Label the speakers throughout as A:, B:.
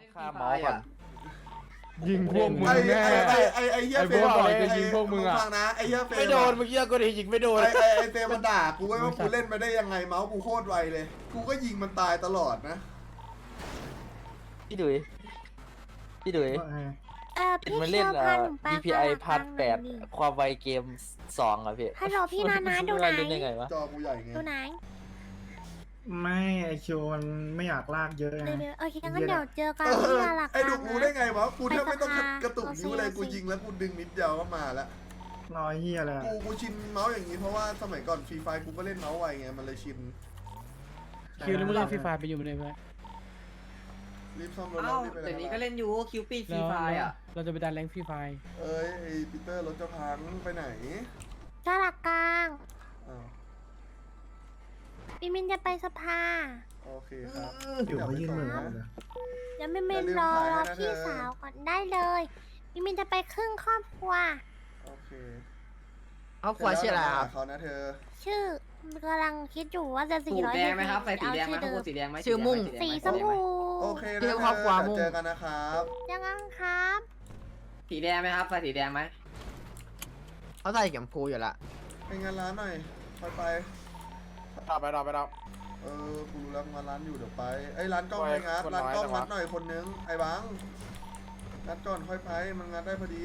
A: ฆ่าเมาส์ก่อน
B: ยิงพวกมึงแน่
C: ไอ้เหี้ยเฟรมจะยิงพวกมึงฟังนะไอ้เหี้ยเฟรม
A: ไม่โดนเมื่อกี้ก็ได้ยิงไม่โดน
C: ไอ้เฟรมมันด่ากูไว้ว่ากูเล่นไปได้ยังไงเมาส์กูโคตรไวเลยกูก็ยิงมันตายตลอดนะ
A: พี่ดุยพี่ดุย
D: พี่
A: มัน
D: เชี
A: เล่
D: ย
A: น
D: วพาหนูไป
A: DPI พาร์ท8ความไวเกม2อ่ะพี่
D: ฮัลโหลพี่นานาดูไหน
A: เล่นยังไงวะ
C: จอกูใหญ่ไง
D: ดูไหน
E: ไม่ไอคิวมันไม่อยากลากเยอะไง
D: โอเคงั้นเดี๋ยวเจอกันที่ลาลัก
C: ไอ้ดูกูได้ไงวะกูแทบไม่ต้องกระตุกนิ้วเลยกูยิงแล้วกูดึงนิดเดียวก็มาแล้ว
E: รอยเฮียเลย
C: กูชินเมาส์อย่างนี้เพราะว่าสมัยก่อนฟรีไฟกูก็เล่นเมาส์ไวไงมันเลยชิน
B: คิวแล้วมึงเล่นฟรีไฟไปอยู่ไหนไป
C: รีบซ่อมรถ
F: เอ้า
C: รีบไป
F: เดี๋ยวนี้ก็
C: เลย
F: เล่นยูคิวปีฟรีไฟอ่ะ
B: เราจะไปดันแรงฟรีไฟ
C: เอ้ยไอ้ปีเตอร์รถจะพังไปไหน
D: ลาลักกลาง
C: อ้าว
D: พี่มินจะไปสภา
C: โอเคครับ
E: อยู่เขายื่นมือมาเลย
D: แล้วพี่มินรอพี่สาวก่อนได้เลยพี่มินจะไปครึ่งครอบครัว
C: โอเค
A: เอาขวาเชียร์อะไรครับ
C: เขานะเธอ
D: ชื่อกำลังคิดอยู่ว่าจะ
F: สูตรแดงไหมครับใส่สีแดงไหมข้างบนสีแดงไหม
A: ชื่อมุ่ง
D: สีชมพู
C: โอเคนะ
A: เรื่
C: เธ
A: อง
C: อ
A: ครอบครัวมุ่ง
C: เจอกันนะครับ
D: ยังไงครับ
F: สีแดงไหมครับใส่สีแดงไหม
A: เขาใส่เข็มพูอยู่ละ
C: ไปงานร้านหน่อยไป
A: ดับ
C: กูรู้แล้วงานร้านอยู่เดี๋ยวไปไอ้ยร้านกล้อง
A: ไป
C: ไปงัด
A: คน
C: ร้าน
A: น้อย
C: กล้อง
A: จังวะ
C: งัดหน่อยคนนึงไอ้บังงัดก่อนค่อยไปมันงัดได้พอดี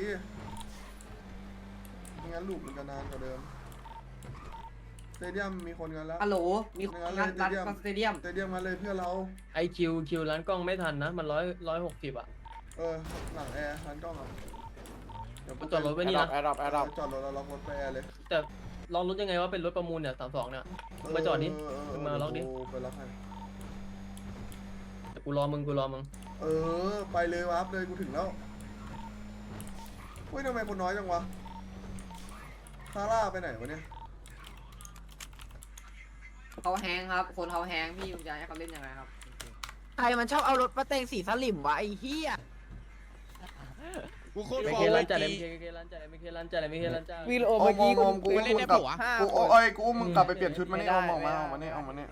C: ไม่งั้นลูกมันจะนานกว่าเดิมสเตเดียมมีคนงันแล้ว
F: ฮัลโหลมีคนงานรันสเตเดียม
C: สเตเดียมมาเลยเพื่อเรา
G: ไอคิวร้านกล้องไม่ทันนะ มัน160อ่ะ
C: หลังแอร์ร้านกล้องอ่ะเดี๋ยว
G: มันจอดรถไว้นี่นะ
C: จอดรถแล้วล็อกรถไปแอร์เลย
G: แต่ลองรถยังไงว่าเป็นรถประมูลเนี่ย32เนี่ย มาจอดดิมึงมาล็อกดิ
C: ไปล็อกให้
G: แต่กูรอมึง
C: ไปเลยวาร์ปเลยกูถึงแล้วเฮ้ยทำไมคนน้อยจังวะซาร่าไปไหนวะเนี่ย
F: เขาแฮงครับคนเขาแฮงพี่จะให้เขาเล่นยังไงครับ
A: ใครมันชอบเอารถมาเตงสีสลิมวะไอ้เหี้ย
H: กูโคตร
G: ไม่
H: ฟอ
G: เค
H: ร์
G: ร้า
H: เวิ
G: น
H: ร์ด
G: จ่าย
H: ดี
G: ไม่เคร้านจ่ายไม่เคร้านจ่ายไม่เคร้านจ่าย
A: วิโอเมื่อกี้
C: กู
H: กูเล่นได้ปะวะ
C: กูกูมึงกลับไปเปลี่ยนชุดมานี่อมออกมานี่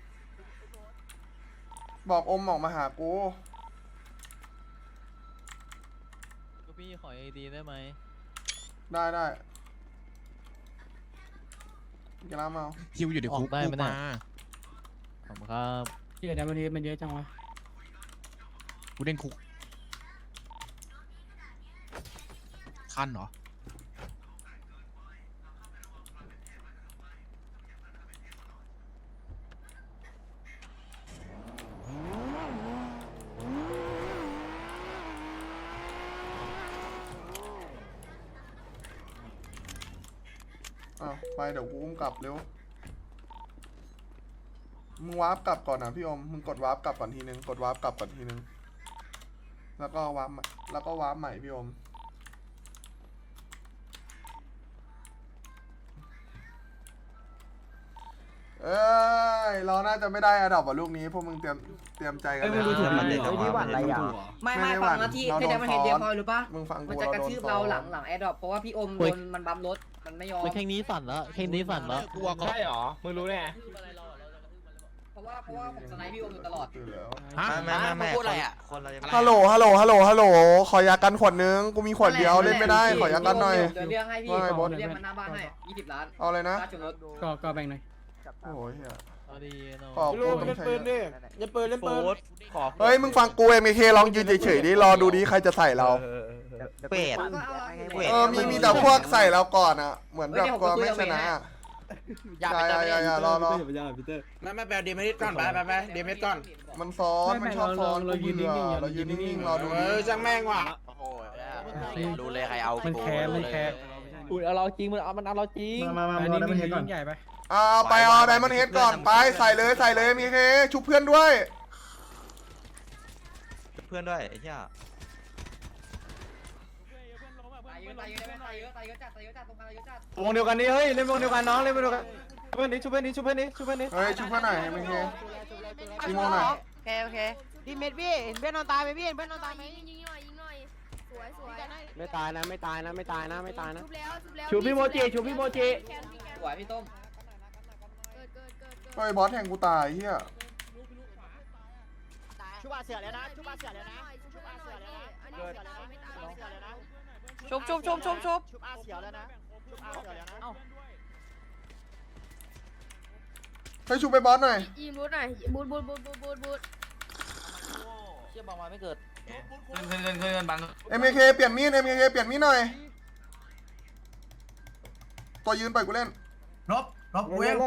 C: บอกอมออกมาหากู
H: พี่ขอไอดีได้ไหม
C: ได้กีฬาเมา
H: คิวอยู่ในคุกได้ไหมเนี่ยขอบคุณครับ
B: ที่เดี๋ยวมันเยอะจังวะ
H: กูเล่นคุกคันเหรอ
C: ไปเดี๋ยวกูอุ้มกลับเร็วมึงวาร์ปกลับก่อนนะพี่อมมึงกดวาร์ปกลับก่อนทีนึงกดวาร์ปกลับก่อนทีนึงแล้วก็วาร์ปใหม่พี่อมเราน่าจะไม่ได้อะดอกว่ะลูกนี้พวกมึงเตรียมใจกันเลย
A: ที่หวั่นอะไรอ่ะ
F: ไม่ฟังนะที่ได้มาเห็นเดียวพอหรือปะ
C: มึงฟังกู
F: มันจะกระทืบเราหลังแอร์ดรอปเพราะว่าพี่อมโดนมันบัมรถมันไม่ยอม
H: แข่งนี้สั่นแล้วแข่งนี้สั่นแล้ว
G: กลัวใช่หรอมึงรู้แน่
F: เพราะว่าผมสไนป์พี่อมอยู่ตลอด
H: ฮะ
A: ไม่พูดอะไรอ่ะ
C: ฮัลโหลขอยากันขวดนึงกูมีขวดเดียวเล่นไม่ได้ขอยากันหน่อย
F: เดี๋ยวเรียกให้พี่
C: ว่าไงบอส
F: เรียกมันหน้าบ้านให้20 ล้าน
C: เอาเลยนะ
F: ค่าชนรถ
B: ก็แบ่งหน่อย
C: โอ้ยเหี้ย
H: เอาดีเนาะ
C: ขอบกูต้องใช้
A: อย่าเปิดเล่นเปิด
C: เฮ้ยมึงฟังกูMKลองยืนเฉยๆดิรอดูดิใครจะใส่เรา
A: เป็ด
C: มีแต่พวกใส่เราก่อนอ่ะเหมือนแบบกลัวไม่ชนะอย่ารอ
A: ไม่แปลเดเมทิสก่อนไปเดเมทิสก่อน
C: มันซ้อนมันชอบซ้อน
B: เรายืนนิ่งๆ
C: เรายืนนิ่งๆรอดู
A: จังแม่งว่ะ
B: รู้เลยใครเอามันแคร์อุ้ยเอาเราจริงมันเอาเราจริง
E: มา
B: อัน
E: รอ
B: นี้
E: ได้
B: มั
E: ไม่
B: น
E: เห็นก่อน
B: ยิ่งใหญ่ไป
C: ไปเอาไดมอนด์เฮดก่อนไปใส่เลยมีเคชุบเพื่อนด้วย
A: เพื่อนด้วยไอ้เหี้ย
F: ตายเยอะจัดตรงกลางเยอะจัด
B: วงเดียวกันนี่เฮ้ยเล่นวงเดียวกันน้องเล่นวงเดียวกันชุบเพื่อนนี้ชุบเพื่อนนี้
C: เฮ้ยชุบเพื่อนหน่อยMK อีโมหน่อย
A: โอเคพี่เม็ดพี่เห็นเพื่อนนอนตายไหมพี่เห็นเพื่อนนอนตายไหม
D: ยิงหน่อยสวย
A: ไม่ตายนะ
D: ชุบพี่โมจิ
F: สวยพี่ต้ม
C: เฮ้ยบอสแทงกูตายเฮีย
A: ชุบาเสือแล้วนะ
F: ชุบ
C: ให้ชูไปบอสหน่อย
D: อีบูดหน่อยบูด
B: เชี่ยบางวันไม่เกิด
C: MKK เปลี่ยนมีด MKK เปลี่ยนมีดหน่อยตัวยืนปล่อยกูเล่น
E: ลบเว้ย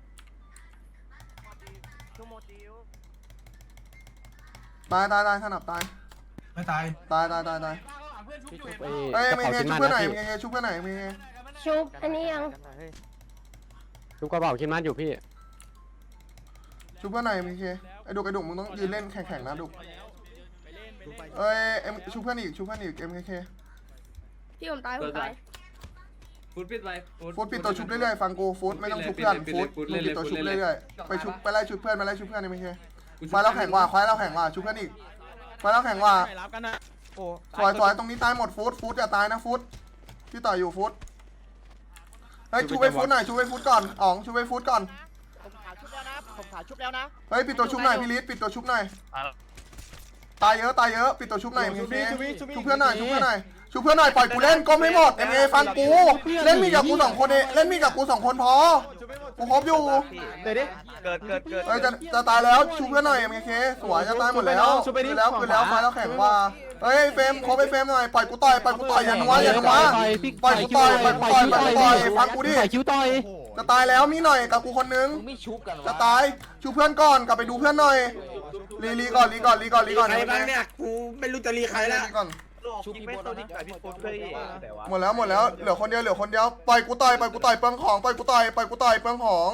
C: ตายสนับตาย
E: ไม่ตาย
C: ตายเอ้ย MKK ชุบเพื่อนไหน MKK ชุบเพื่อนไหน MKK
D: ชุบอันนี้ยัง
I: ชุบกระเป๋าคิดมันอยู่พี่
C: ชุบเพื่อนไหน MKK ไอ้ดุกมึงต้องยืนเล่นแข่งๆนะดุกเอ้ยชุบเพื่อนอีก MKK
D: พี่ผมตายผมตาย
G: ฟุตปิดไป
C: ฟูดปิดตัวชุบเรื่อยๆฟังกูฟูดไม่ต้องชุบเพื่อนฟูดมึงปิดตัวชุบเรื่อยๆไปไล่ชุบเพื่อนMKK มาแล้วแข่งว่าควายแล้วแข่งว่าชุบเพื่อนอีกมาแล้วแข่งว่าสวยตรงนี้ตายหมดฟูดอย่าตายนะฟูดที่ต่ออยู่ฟูดเฮ้ยชูไปฟูดหน่อยชูไปฟูดก่อนอ๋องชูไปฟูดก่อนผมขาชุบแล้วนะเฮ้ยปิดตัวชุบหน่อยพี่ลิศปิดตัวชุบหน่อยตายเยอะปิดตัวชุบหน่อยชูเพื่อนหน่อยปล่อยกูเล่นก้มให้หมดเอ็มเอฟังกูเล่นมีกับกู2 คนเองเล่นมีกับกู2 คนพอกูครบอยู่เดี๋ยวดิเกิดเฮ้ยจะตายแล้วชูเพื่อนหน่อยเอ็มเคสวยจะตายหมดแล้วคือแล้วไฟแล้วแข่งว่าเฮ้ยเฟมครบไปเฟมหน่อยปล่อยกูต่อยอย่านัวปล่อยกูต่อยฟังกูดิจะตายแล้วมีหน่อยกับกูคนนึง
B: มึงไม่ชุบกัน
C: จะตายชูเพื่อนก่อนกลับไปดูเพื่อนหน่อยรีก่อน
E: ใครบ้างเนี่ยกูไม่รู้จะรีใครแล้ว
B: ชุบพี่โบ๊ทนะ
C: หมดแล้วเหลือคนเดียวปล่อยกูต่อยเปลืองของปล่อยกูต่อยเปลืองของ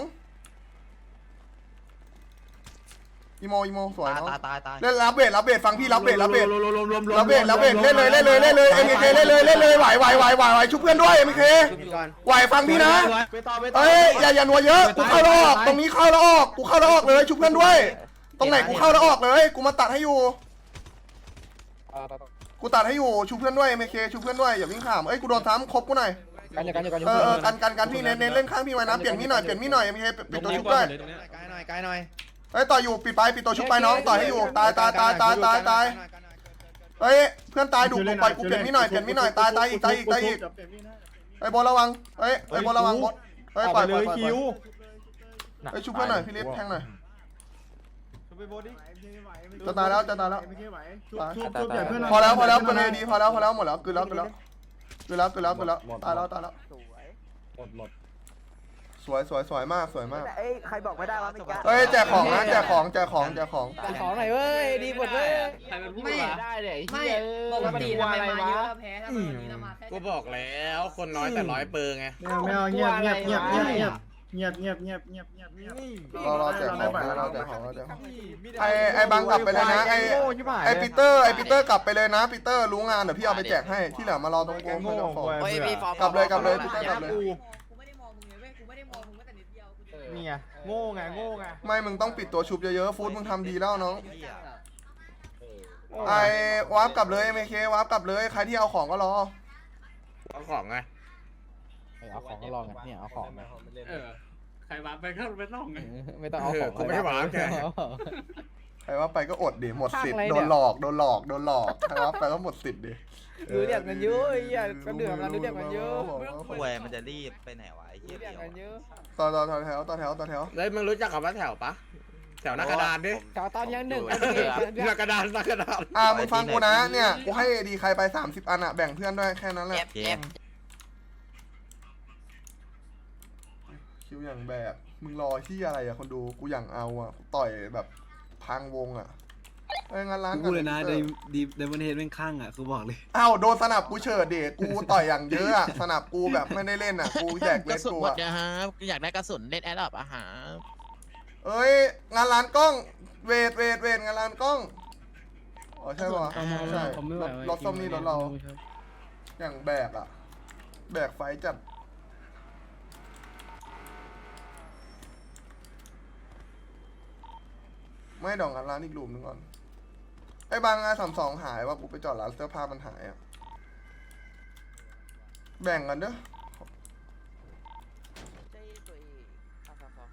C: อีโมสวยเนาะ
B: ตาย
C: เล่นรับเบสฟังพี่รับเบสเล่นเลยเอ็มเคเล่นเลยไหวชุบเพื่อนด้วยเอ็มเคไหวฟังพี่นะเอ้ยอย่านัวเยอะกูเข้าแล้วออกตรงนี้เข้าแล้วออกกูเข้าแล้วออกเลยชุบเพื่อนด้วยตรงไหนกูเข้าแล้วออกเลยกูมาตัดให้อยู่ชูเพื่อนด้วยเมเคชูเพื่อนด้วยอย่าวิ่งข้ามเอ้ยกูโดนซ้ำครบกูหน่อยกันพี่เน้นเล่นข้างพี่ไว้นะเปลี่ยนมีหน่อยเมเคปิดตัวชุบด้วยไกลหน่อยเฮ้ยต่ออยู่ปิดตัวชุบไปน้องต่อให้อยู่ตายเฮ้ยเพื่อนตายดุปล่อยกูเปลี่ยนมีหน่อยตายอีกไอ้บอลระวังเฮ้ยไอ้บอลระวังบอลเฮ้ยปล่อยคิวเฮ้ยชุบเพื่อนหน่อยพี่ลิฟแทงหน่อยจะตายแล้วพอแล้วเป็นไงดีพอแล้วหมดแล้วคือแล้วตายแล้วสวยมาก
A: เอ้ยใครบอกไม่ได้ว่าไม่กล้า
C: เฮ้ยแจกของนะแจกของ
B: ของหน่อยเว้ยดีหมดเว้ย
G: ใครเป็นผู้
F: ไม่
G: ว่า
B: ได้เลย
F: ไม่ปกติทำไมมาเยอะแล้วแพ้ถ้ามาวันนี้เรามาแค่
E: กูบอกแล้วคนน้อยแต่100 เปอร์ไงไม่เอาเงียบ
C: รอแจกของไอ้บังกลับไปเลยนะไอ้ปีเตอร์กลับไปเลยนะปีเตอร์รู้งานเดี๋ยวพี่เอาไปแจกให้ที่เหลือมารอตรงกูกลับเลยปีเตอร์กลับเลย
F: กูไม่ได้มองมึงเลยเว้ยกูไม่ได้มองมึงแม้แต่นิดเดียว
I: เนี่ยโง่ไง
C: ไม่มึงต้องปิดตัวชุบเยอะๆฟูดมึงทำดีแล้วน้องไอ้วาร์ปกลับเลยเมเควาร์ปกลับเลยใครที่เอาของก็รอ
E: เอาของไง
B: เอาของก็ลองกันเนี่ยเอาของ
G: ใครวางไปก็ไม่ต้องไง
B: ไม่ต้องเอาของ
E: กูไม่ได้หวังแก
C: ใครว่าไปก็อดดิหมดสิทธิ์โดนหลอกใครว่าไปก็หมดสิทธิ์ดิ
B: ดูเรียกกันเยอะไอ้เหี้ยก็เดือดกันดูเรียกกันเยอะ
J: ป่วยมันจะรีบไปไหนวะไอ้เหี้ย
B: เรียกกันเยอะ
C: ต่อแถว
E: แล้วมึงรู้จักคำว่าแถวปะแถวหน้ากระดานดิ
B: ชาวตอนยังหนึ่ง
E: หน้ากระดาน
C: มึงฟังกูนะเนี่ยกูให้ดีใครไป30 อันอะแบ่งเพื่อนด้วยแค่นั้นแหละ
J: เจ็บ
C: คิวอย่างแบบมึงรอที่อะไรอะคนดูกูอย่างเอาอะต่อยแบบพังวงอะงานร้าน
K: กูเลยนะเดมอนเฮดแม่งข้างอ่ะกูบอกเลย
C: อ้าวโดนสนับกูเฉิดเด็กกูต่อยอย่างเยอะอะสนับกูแบบไม่ได้เล่นอะกูแจกเลสกูอะ
J: อยากได้กระสุนเล่นแอดดับอาหาร
C: เอ้ยงานร้านกล้องเวทงานร้านกล้องอ๋อใช่ป่ะใช่รถส้มนี่รถเราอย่างแบกอะแบกไฟจัดไม่ดอกงานร้านอีกรูมนึงก่อนไอ้บางงาน32หายว่ากูไปจอดร้านเสื้อผ้ามันหายอะแบ่งกันเด้อ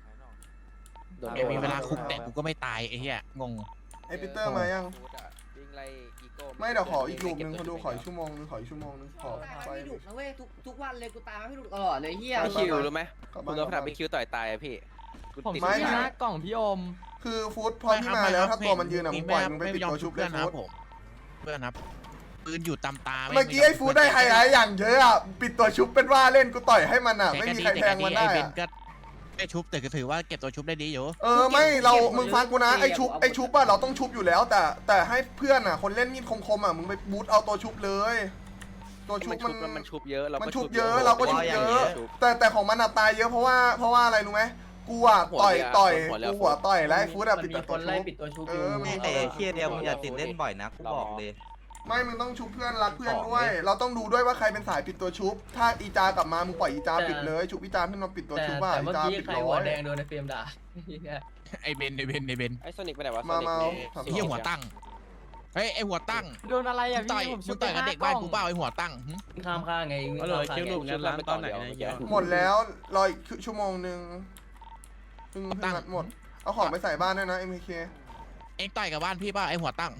J: มีเวลาคุกแต่กูก็ไม่ตายไอ้เหี้ยงง
C: ไอ้ปีเตอร์มายังไม่เดี๋ยวขออีกลูกนึงเขาดูขออีกชั่วโมงนึงขออีกชั่วโมงนึงขอ
F: ตาย
C: ไป
F: ไม่ดุนะเว้ยทุกวันเลยกูตายไม่ดุตลอดเลยเฮีย
C: ไม่คิวรู้ไหม
B: คุณต้องทำไปคิวต่อยตายพี่
C: ผมไม่นะ
B: กล่องพี่อม
C: คือฟู้ดพอพี่มาแล้วถ้าตัวมันยืนอะมึงปล่อยมึงไปปิดตัวชุบเลยฟู้ด
J: เพื่อนครับปืนอยู่ตามตา
C: เมื่อกี้ไอ้ฟู้ดได้ไฮไลท์อย่างเยอะอะปิดตัวชุบเป็นว่าเล่นกูต่อยให้มันอะไม่มีใครแทงมันได้
J: เบน
C: อะ
J: ก็ได้ชุบแต่ก็ถือว่าเก็บตัวชุบได้ดีอยู่
C: ไม่เรามึงฟังกูนะไอ้ชุบอะเราต้องชุบอยู่แล้วแต่ให้เพื่อนอะคนเล่นมีดคมๆอะมึงไปบูทเอาตัวชุบเลยตัวชุบ
B: มันชุบเยอะเรา
C: มัน
B: ก็
C: ชุบเยอะเราก็ชุบเยอะแต่ของมันอะตายเยอะเพราะว่าอะไรรู้ไหมกูอะต่อยกูหัวต่อยแล้วไอ้ฟู้ดอะ
G: มัน
C: ปิด
G: มี
C: ตัว
G: คน
C: ชุ
G: ไล่
C: บ
G: ปิดตัวชุบ
C: มี
J: ไอ้เคียเดียวมึงอย่าติดเล่นบ่อยนะกูบอกเลย
C: ไม่มึงต้องชุบเพื่อนรักเพื่อนด้วย เราต้องดูด้วยว่าใครเป็นสายปิดตัวชุบถ้าอีจากลับมามึงปล่อยอีจาปิดเลยชุบอีจาขึ้นมาปิดตัว
G: แต่
C: ชุบว่า
G: แต่
C: อี
G: เมื่อ
C: จา
G: กี้
C: ปิด
G: ใคร
C: ร้
G: หัว
C: อย
G: แดงโดนในเฟรมด่า
J: ไอเบน
B: ไอ้โซนิกไปไหนวะ
C: มา
J: ไอ้เหี้ยหัวตั้งเฮ้ยไอหัวตั้ง
B: โดนอะไร
J: มึ
B: อ่ะ
J: งต่อยมึงต่อยกับเด็กบ้านกูเปล่าไอหัวตั้ง
G: ข้ามข้างไง
B: ก็เลยคิวลูกงั้นร้านตอนไหนนะ
C: หมดแล้วรออีกชั่วโมงนึงเพิ่งนัดหมดเอาของไปใส่บ้านด้วยนะ MK
J: เอ็งต่อยกับบ้านพี่เปล่าไอหัวตั้ง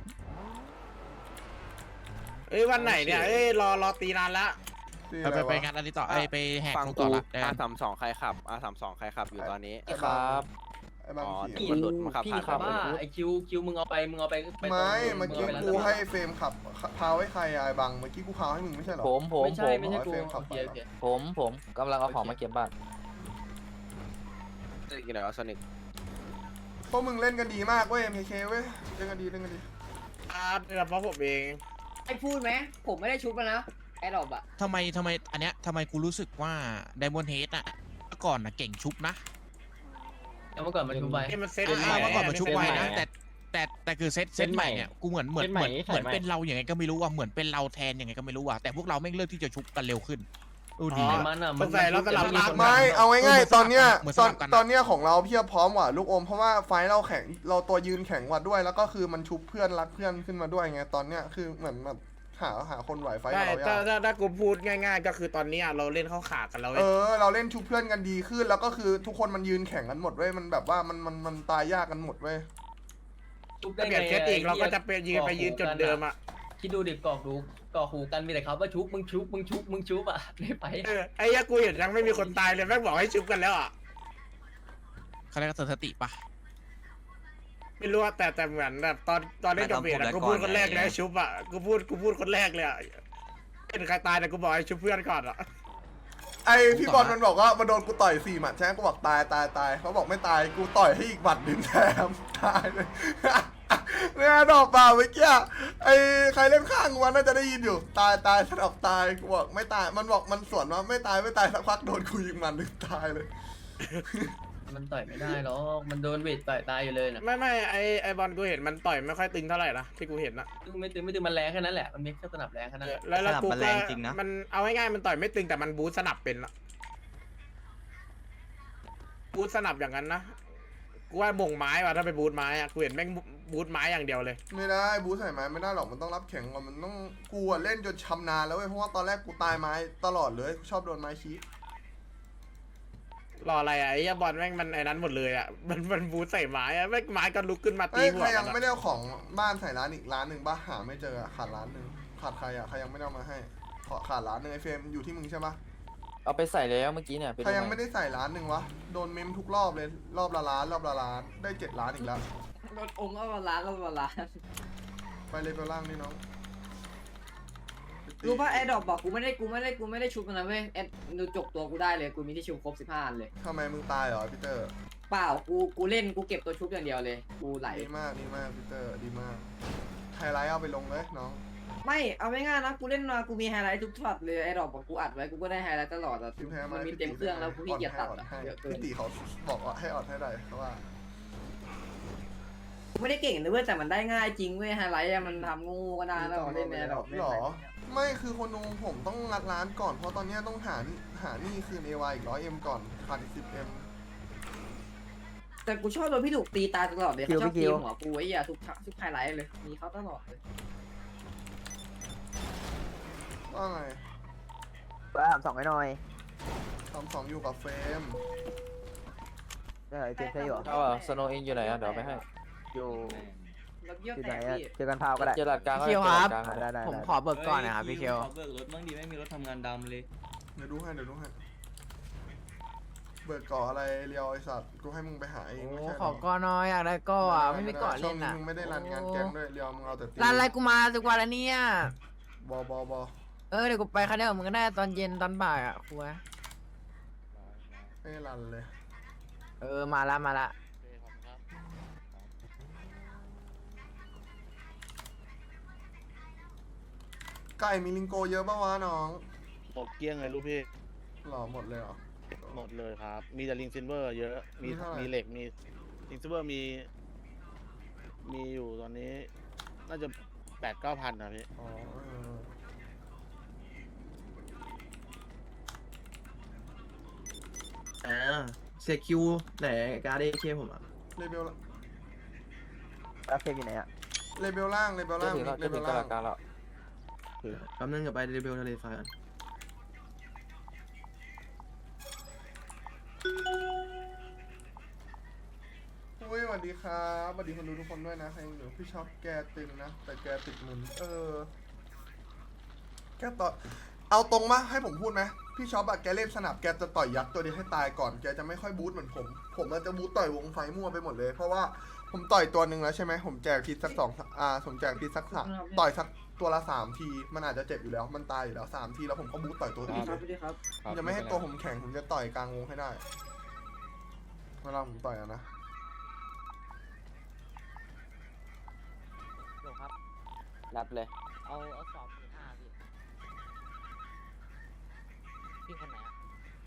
I: วันไหนเนี่ยรอตีนานละ
J: ไปงานอะไรต่อไปแหก
B: ฟัง
J: ต่
B: กู
J: อละ
B: R32ใครขับ R32ใครขับอยู่ตอนนี้
C: ครับไอ้บาง
B: พี่
C: ขี่
B: หลุดมาขับผ่าน
G: ขับว่าไอคิวมึงเอาไปมึงเอาไป
C: ไม่เมื่อกี้กูให้เฟรมขับพาวให้ใครไอ้บางเมื่อกี้กูพาวให้มึงไม่ใช่หรอ
G: ไม่ใช่กู
B: ผมกำลังเอาของมาเก็บบ้านกี่ไหนวะโซนิก
C: พวกมึงเล่นกันดีมากเว้ย MK เว้ยเล่นกันดี
I: เพราะผมเอง
F: ไอ้พูดไหมผมไม่ได้ชุบแล้วนะแอดดอบอะ
J: ทำไมอันเนี้ยทำไมกูรู้สึกว่าไดมอนด์เฮดอะเมื่อก่อนนะเก่งชุบนะ
G: เมื่อก่อนมาชุบไป
I: มันเซ็ต
J: เมื่อก่อนมันชุบไวนะแต่คือเซตใหม่เนี่ยกูเหมือนเป็นเราอย่างไงก็ไม่รู้ว่าเหมือนเป็นเราแทนยังไงก็ไม่รู้ว่าแต่พวกเราไม่เลือกที่จะชุบกันเร็วขึ้นดูดี
G: มันอ่ะ
I: ใส่แล้วสลับรัก
C: ไม่เอาง่ายๆตอนเนี้ยของเราเพียบพร้อมว่ะลูกอมเพราะว่าไฟเราแข็งเราตัวยืนแข็งกว่าด้วยแล้วก็คือมันชุบเพื่อนรักเพื่อนขึ้นมาด้วยไงตอนเนี้ยคือเหมือนแบบหาคนไหวไฟ
I: ใช่
C: เรายาก
I: ถ้ากูพูดง่ายๆ ก็คือตอนนี้เราเล่นเข้าขากันแล้ว
C: เราเล่นชุบเพื่อนกันดีขึ้นแล้วก็คือทุกคนมันยืนแข่งกันหมดเว้ยมันแบบว่ามันตายยากกันหมดเว้ย
I: ถ้าเปลี่ยนเซตอีกเราก็จะไปยืนจุดเดิมอ่ะ
G: คิดดูดิกอกหูกันมีแต่เขาว่าชุบมึงชุบอ่ะไม่ไป
I: ไอ้ยากูเห็นยังไม่มีคนตายเลยแม่งบอกให้ชุบกันแล้วอ่ะ
J: เขาเรียกว่าสติปะ
I: ไม่รู้แต่เหมือนแบบตอนเล่นกับเบียร์กูพูดคนแรกเลยชุบอ่ะกูพูดคนแรกเลยอ่ะเป็นใครตายแต่กูบอกให้ชุบเพื่อนก่อนอ่ะ
C: ไอพี่บอลมันบอกว่ามันโดนกูต่อย4 หมัดใช่ไหมกูบอกตายเขาบอกไม่ตายกูต่อยให้อีกหมัดหนึ่งแถมตายเลยเนี่ยดอกเปล่าเมื่อกี้ไอใครเล่นข้างวันน่าจะได้ยินอยู่ตายฉันออกตายกูบอกไม่ตายมันบอกมันสวนว่าไม่ตายสักพักโดนกูยิงมันหนึ่งตายเลย
G: มันต่อยไม่ได้หรอกมันโดนเวทต่อยตายอยู่เลยนะ
I: ไม่ไอบอลกูเห็นมันต่อยไม่ค่อยตึงเท่าไหร่นะที่กูเห็นนะ
G: ไม่ตึงมันแรงแค่นั้นแหละมันมีแค่สนับแรงแค่นั้น
I: แล้วกูก็มันเอาง่ายๆมันต่อยไม่ตึงแต่มันบูทสนับเป็นละบูทสนับอย่างนั้นนะกูว่าบ่งไม้ว่ะถ้าไปบูทไม้อะกูเห็นแม่งบูทไม้อย่างเดียวเลย
C: ไม่ได้บูใส่ไม้ไม่ได้หรอกมันต้องรับแข็งก่อนมันต้องกูเล่นจนชำนาญแล้วเว้ยเพราะว่าตอนแรกกูตายไม้ตลอดเลยชอบโดนไม้ชี้
I: รออะไรอ่ะไอ้บอลแม่งมันไอ้นั้นหมดเลยอ่ะมันบูทใส่ไม้อ่ะแม่งไม้ก็ลุกขึ้นมาตีหัว
C: ใครยังไม่ได้เอาของบ้านใส่ร้านอีกร้านหนึ่งป่ะหาไม่เจอขาดร้านหนึ่งขาดใครอ่ะใครยังไม่ได้เอามาให้ขาดร้านหนึ่งไอเฟรมอยู่ที่มึงใช่ปะ
B: เอาไปใส่แล้วเมื่อกี้เนี่ย
C: ใครยังไม่ได้ใส่ร้านหนึ่งวะโดนเมมทุกรอบเลยรอบละล้านได้7 ล้านอีกแล้ว
F: รถองค์ก็ร้าน
C: ไปเลยไปล่างนี่น้อง
F: รู้ป่ะแอดดอบบอกกูไม่ได้ชุบมันนะเว้ยแอดดูจกตัวกูได้เลยกูมีที่ชุบครบ15 อันเลย
C: ทำไมมึงตายเหรอพีเตอร์
F: เปล่ากูเล่นกูเก็บตัวชุบอย่างเดียวเลยกูไหล
C: ดีมากพีเตอร์ดีมากไฮไลท์เอาไปลงเลยน้อง
F: ไม่เอาไม่ง่ายนะกูเล่นมากูมีไฮไลท์ทุกช็อตเลยไอ้ดอกบอกกูอัดไว้กูก็ได้ไฮไลท์ตลอดอ่ะ
C: พี่แพ้
F: มันมีเต็มเครื่องแล้วกูขี้เกียจตัดอะเยอะเกิน
C: พี่ตีเขาบอกว่าให้ออดให้ได้เพราะว่า
F: กูไม่ได้เก่งนะเว้ยแต่มันได้ง่ายจริงเว้ยไฮไลท์อะมันทำงูก็ได้แล้วเล่นในดอก
C: หรอไม่คือคนดูผมต้องงัดร้านก่อนเพราะตอนนี้ต้องหานี่คืน AY อีก100M ก่อนขาดอีก10M
F: แต่กูชอบโดนพี่ดุกตีตายตลอดเลยเขาชอบตีหัวกูไอ้ยาทุกไฮไลท์เลยมีเขาตลอดเลย
C: ว่าไง
A: 2ไอ้หน่อย
C: 2อยู่กับเฟรม
A: ได้เฟรมใช่หรอ
B: เอาสโนว์เองอยู่ไหนอ่ะเดี๋ยวไปให้
A: อยู่
F: แล้วเยี่ยว
B: ที่
F: แต
B: ไหน
F: ก
B: อะ
F: พี่
B: เจอกันพาวก็ได้
A: พี่เคียวครับ
B: ได้
A: ผมขอเบิกก่อนนะครับพี่เคียว
K: เบิกรถบ้างดีไม่มีรถทำงานดำเลย
C: เดี๋ยวดูให้เบิกก่ออะไรเรียวไอสัตว์กูให้มึงไปหาเองไม่ใช่หร
A: ขอก่อนน้อยอยากได้ก่ออ่ะไม่มีก่อ
C: ช่ว
A: เล่
C: ง
A: น
C: นี้
A: อ่ะ
C: มึงไม่ได้รันงานแก๊งด้วยเรียวมึงเอาแต่ตี
A: ร้านอะไรกูมาทุกวันแล้วเนี่ย
C: บอ
A: เดี๋ยวกูไปคันเดียวกับมึงก็ได้ตอนเย็นตอนบ่ายอ่ะครู
C: ไม่ได้รันเลย
A: มาละ
C: ไก่มีลิงโกเยอะป่าวะน้อง
I: หมดเกลี้ยงเลยลูกพี่
C: หล่อหมดเลยเหรอ
I: หมดเลยครับ มีแต่ลิงซิลเวอร์เยอะ
C: มีเท่าไหร่
I: มีเหล็ก มีลิงซิลเวอร์มีอยู่ตอนนี้ น่าจะ8-9 พันนะพี่
C: อ๋อ
B: เซคิวไหนการ์ดเอเคผมอ่ะ
C: เลเบล
B: แล้วเพลงอยู่ไหนอ่ะ
C: เลเบลล่างเลเบลล่างเลเบลล่าง
B: แป๊บนึงกับไปเรเบลทะเลไฟกัน
C: อุ้ยสวัสดีครับสวัสดีคนดูทุกคนด้วยนะใครอยู่พี่ชอบแกตึงนะแต่แกติดมึนแกต่อเอาตรงมาให้ผมพูดไหมพี่ชอบอะแกเล่นสนับแกจะต่อยยักษ์ตัวเดียวให้ตายก่อนแกจะไม่ค่อยบูทเหมือนผมมันจะบูทต่อยวงไฟมั่วไปหมดเลยเพราะว่าผมต่อยตัวหนึ่งแล้วใช่ไหมผมแจกพิษสักผมแจกพิษสัก3ต่อยสักตัวละ3 ทีมันอาจจะเจ็บอยู่แล้วมันตายอยู่แล้ว3 ทีแล้วผมก็บูทต่อยตัวอื่น
F: ค
C: เล
F: รับ
C: ย
F: พี่ครับ
C: ผมจะไม่ให้ตัวผมแข็งผมจะต่อยกลางวงให้ได้เวลาผมต่อยอะนะ
B: ครับ
A: รับเลย
B: เอาสอบพี่คนไหนอ่ะ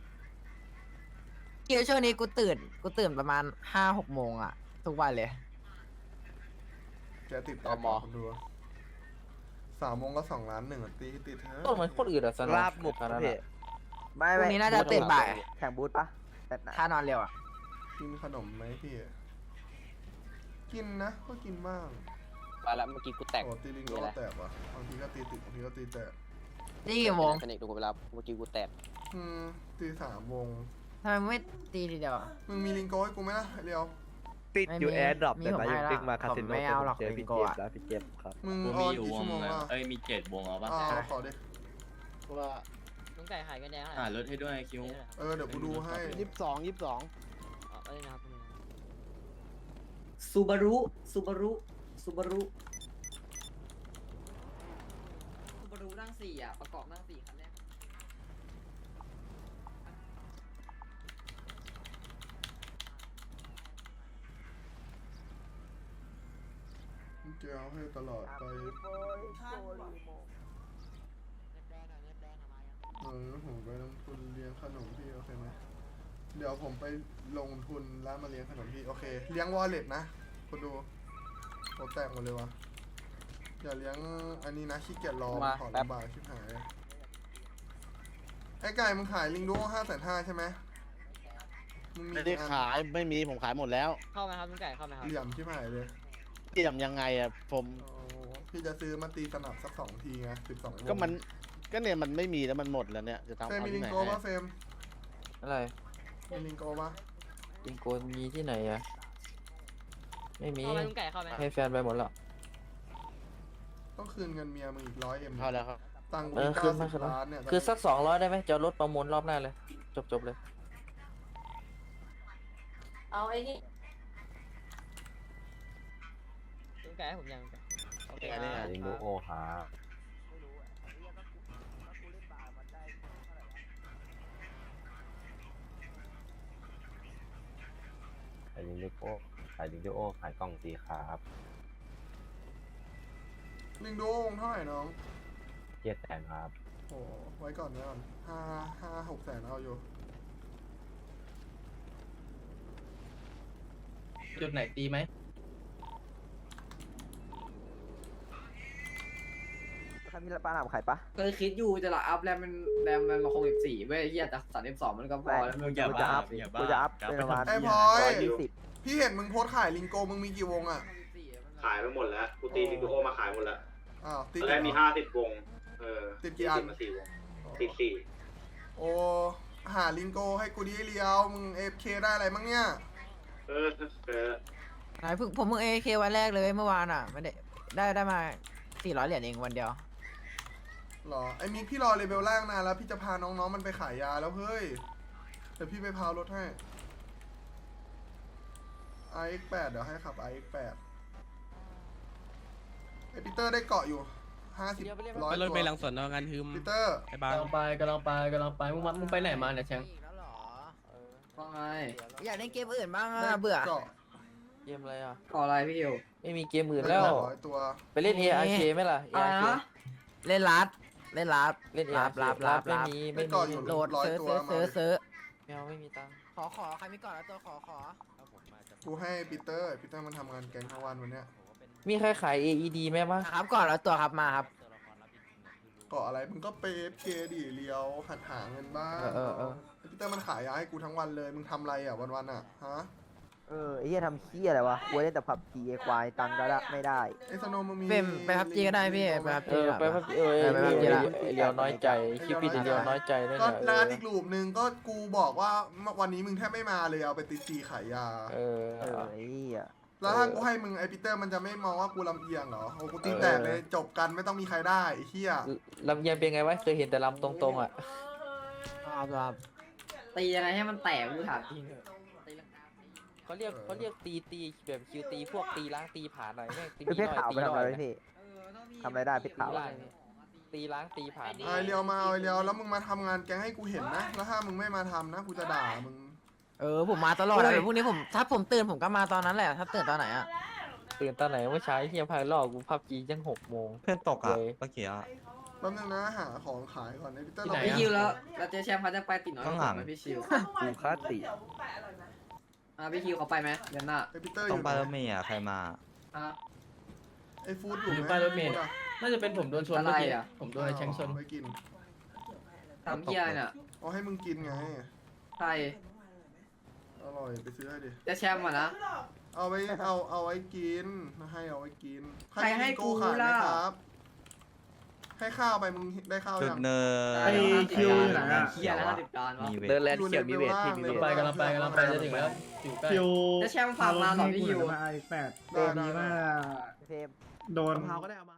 A: เคียวช่วงนี้กูตื่นประมาณ5-6 โมงอ่ะทุกวันเลย
C: แกติดต่อมอดู3 โมงก็2 ล้าน1ตีติดเถอะ
A: ต้นเหมือนคนอื่นอะสน
B: ราบบุกพี่ไม่
A: พรุ่งนี้น่าจะตื่นบ่าย
B: แข่งบูธปะแต่
A: ถ้านอนเร็วอ่ะ
C: กินขนมไหมพี่กินนะก็กินบ้าง
A: มาแล้วเมื่อกี้กูแตก
C: โอ้ตีลิงโกแตกว่ะบางทีก็ตีติดบางทีก็ตีแตก
A: นี่กี่โมง
B: สนิทดูเวลาเมื่อกี้กูแตก
C: ตี3 วง
A: ทำไมไม่ตีทีเดียวอะ
C: มึงมีลิงโกให้กูไหมล่ะเรียว
B: ติดอยู่
A: ไม่มี
B: แอร์ดรอป
A: มี
B: แต่
A: ผม
B: นาย
A: ให้
B: ยัง
A: ละ
B: ติ๊กมาคาสิโน
A: ผมไม่เอาหรอก
B: เจอพี่
A: ลิงโก
B: เจฟ
A: อะ
B: แล้วพี่เจฟครับ
C: มึง
H: กู
C: อ
H: มี
C: อน
H: อยู่
C: กี่
H: ว
C: ชั่ว
H: ง
C: โมง
H: แล้ว
C: ล่ะ
H: มี7 วงเอาปะ
C: ขอดิ
I: ว่า
B: ลุงไก่ขายกันแดง
H: รถให้ด้วยคิว
C: เดี๋ยวกูดูให้
I: 22
B: เอ้ยนะครับ
F: ซูบารุนั่ง4อ่ะประกอบนั่ง4คันแรก
C: แกเอาให้ตลอดไปผมไปลงทุนเลี้ยงขนมพี่โอเคไหมเดี๋ยวผมไปลงทุนแล้วมาเลี้ยงขนมพี่โอเคเลี้ยงวอลเล็ตนะคุณดูโคแตกหมดเลยวะอย่าเลี้ยงอันนี้นะขี้เกียจรอขอลำบากชิบหายไอ้ไก่มึงขายลิงดู550,000ใช่ไหมมึงมี
I: ไม่ได้ขายไม่มีผมขายหมดแล้ว
B: เข้าไหมครับลุงไก่เข้าไหมครับ
C: เหลี่ยมชิบหายเลย
I: ที่ทำยังไงอ่ะผม
C: พี่จะซื้อมาตีสนับสัก2 ทีไง12 วง
I: ก็เนี่ยมันไม่มีแล้วมันหมดแล้วเนี่ยจะทำ
C: เฟรม
I: เอา
C: มีลิ
I: ที่
C: ง
I: ไหน
C: โกป่ะเฟรม
A: อะไร
C: มีลิงโกป่ะ
A: ลิงโกมีที่ไหนอะไม่มี
B: เข้าไหมลุงไก่เข้าไหม
A: ให้แฟนไปหมดแล้ว
C: ต้องคืนเงินเมียมึงอีก100M
I: เข้าแล้วครับ
C: ตังค์
A: คืนมา
C: 90 ล้านเนี่ย
A: คือสัก200ได้ไหมจะลดประมูลรอบหน้าเลย จบเลย
B: เอาไอ้นี่ลุงไก่ให้ผมยังโอเคครับ
A: ลิงโกโอหา
L: ขายลิงโอขายกล่องสีครับ
C: ลิงโดวงเท่าไหร่น้อง
L: 700,000ครับ
C: โอ้ไว้ก่อน5-6 แสนเอาอยู่
G: จุดไหนตีไหม
B: ถ้ามีปลาหนามขายปะ
F: เคยคิดอยู่จะละอัพแรมมัน64เว้ยเฮียแต่32มันก็พอแล้ว
H: มึงอย่า
B: กู
H: บ้า
B: จะอัพ
H: อย่า
B: กู
H: บ้า
B: จะอัพเป็นประมาณ
C: ไอ้พลอย
B: 120
C: พี่เห็นมึงโพสต์ขายลิงโกมึงมีกี่วงอ่ะ
L: ขายไปหมดแล้ว กูตีลิงโอมาขายหมดแล้ว
C: อ้าวติด
L: ตอนแรกมี
C: เหรอ
L: 50 วง
C: ติดกี่อัน
L: มา4 วง ติด4
C: โอ้หาลิงโกให้กูดีเลียวมึง FK ได้อะไรมั้งเนี่ย
A: ไหนผมเพิ่ง AK วันแรกเลยเมื่อวานอ่ะไม่ได้มา400 เหรียญเองวันเดียว
C: หรอไอ้มิกพี่รอเลเวลล่างนานแล้วพี่จะพาน้องๆมันไปขายยาแล้วเฮ้ยเดี๋ยวพี่ไปพาวรถให้ RX8 เดี๋ยวให้ขับ RX8 ไอปีเตอร์ได้เกาะอยู่50 100
K: รถ
C: ตัว
K: ไปหลังสวนงานฮึม
C: ปีเตอร์
K: ไอ้บาง
G: กำลังไปมึงไปไหนมาเนี่ยแชง
F: ว่าไง
A: อยากเล่นเกมอื่นบ้างอ่ะเบื่อ
C: เกาะ
B: เกมอะไรอ่ะ
F: ขออะไรพี่คิว
B: ไม่มีเกมอื่นแล้ว
C: 100 ตัว
B: ไปเล่น ARK ไหมล่ะ
F: อะไร
B: ARK
F: นะ
A: เล่นลัดเล่นลัด
B: เล่น
A: ลั
B: ARK
A: บ
B: ไม่มี
C: ได้เกาะอยู่
A: โหลด
C: 100 ตัว
A: ซื้อ
B: แมวไม่มีตังค์
A: ขอใครมีก่อนแล้วตัวขอ
C: กูให้ปีเตอร์มันทำงานแก๊งทั้งวันวันเนี้ย
B: มีใครขาย AED ไหมมั้ง
A: ครับก่อนแล้วตัวครับมาครับ
C: เกาะอะไรมึงก็ไป FK ดิเลียวหัดหาเงินบ้าง
B: เออ
C: ไอ้ปีเตอร์มันขายยาให้กูทั้งวันเลยมึงทำอะไรอ่ะวันๆอ่ะฮะ
B: ไอ้เหี้ยทำขี้อะไรวะกูเล่นแต่ผับจีควายตังก็ได้ไม่ได้
C: ไอ้สโนว์มึงมี
A: ไปพับจีก็ได้พี่ไปพับจี
B: ไปพับเลียวน้อยใจคลิปพี่เลียวน้อยใจได้
C: ก็
B: ไง
C: ร้านอีกรูปหนึ่งก็กูบอกว่าวันนี้มึงแทบไม่มาเลยเอาไปติดจีขายยา
B: ไอ้เหี้ย
C: แล้วถ้ากูให้มึงไอปีเตอร์มันจะไม่มองว่ากูลำเอียงเหรอโอ้กูตีแตกเลยจบกันไม่ต้องมีใครได้ไอ้เหี้ย
B: ลำเอียงเป็นไงวะเคยเห็นแต่ลำตรงๆอ่ะ
A: ครับ
F: ตียังไงให้มันแตกกูถามจริงเถอะตีลังกา
B: เขาเรียกตีแบบคิวตีพวกตีล้างตีผ่านหน่อยแม่งตีมีหน่อยตีหน่อยพี่ทำอะไรได้พี่ขาวตีล้างตีผ่าน
C: เอาไอเรียวมาเอาไอเรียวแล้วมึงมาทำงานแก๊งให้กูเห็นนะแล้วถ้ามึงไม่มาทำนะกูจะด่ามึง
A: ผมมาตลอดเลยพรุ่งนี้ถ้าผมตื่นผมก็มาตอนนั้นแหละถ้าตื่นตอนไหนอ่ะ
B: ตื่นตอนไหนเมื่อเช้าเฮียพายรอกูพับจียัง6 โมง
L: เพื่อนตกอ่ะเมื่อกี้อ่ะ
C: แป๊บนึงนะหาของขายก่อนไอปีเตอร์
G: ที่ไหน
F: พี่คิวแล้วเจอแชมป์เขาจะไปติดน้อย
L: ข้างหลัง
F: ไหมพี่ชิว
L: กูคาติ
F: พี่คิวเขาไปไหมเดือนหน้า
C: ไอปีเตอร์อ
L: ต้อง
C: ยู่
L: ไป
C: ไหน
L: รถเมย์อ่ะใครมา
C: ไอฟู้ดอยู่ไหม
G: ป้ายรถเมล์ น่าจะเป็นผมโดนชนเมื่อกี้
F: อะไรอะ
G: ผมโดนไอ้แชงชน
C: ไม่กิน
F: ทำเฮียเนี่ย
C: เอาให้มึงกินไง
F: ใคร
C: อร่อยไปซื้อให้ดิ
F: จะแชมป์อ่ะนะ
C: เอาไว้เอาไว้กินให้เอาไว้กิน
F: ใครให้กู
C: ขายไหม
F: ล่ะ
C: ครับ ให้ข้าวไปมึงได้ข้าว
L: จุ
C: ยั
L: ด
C: ง
L: เนิน
E: ไอ้คิวอยู่ไหนอะ
F: เฮียแล้ว50 จานวะ
L: มีเว
B: เดิน
L: ท
B: แลนด์เขียวมีเวทที่มีเวท
G: กำลังไปจะถึงแล้วอยู่ใกล้
E: คิว
F: จะแชมป์ฝากมาเหรอพี่คิว
E: มาไอ้8
C: ได้
E: ดีว่า
B: เทม
E: โดน
A: มะพร้าวก็ได้เอามา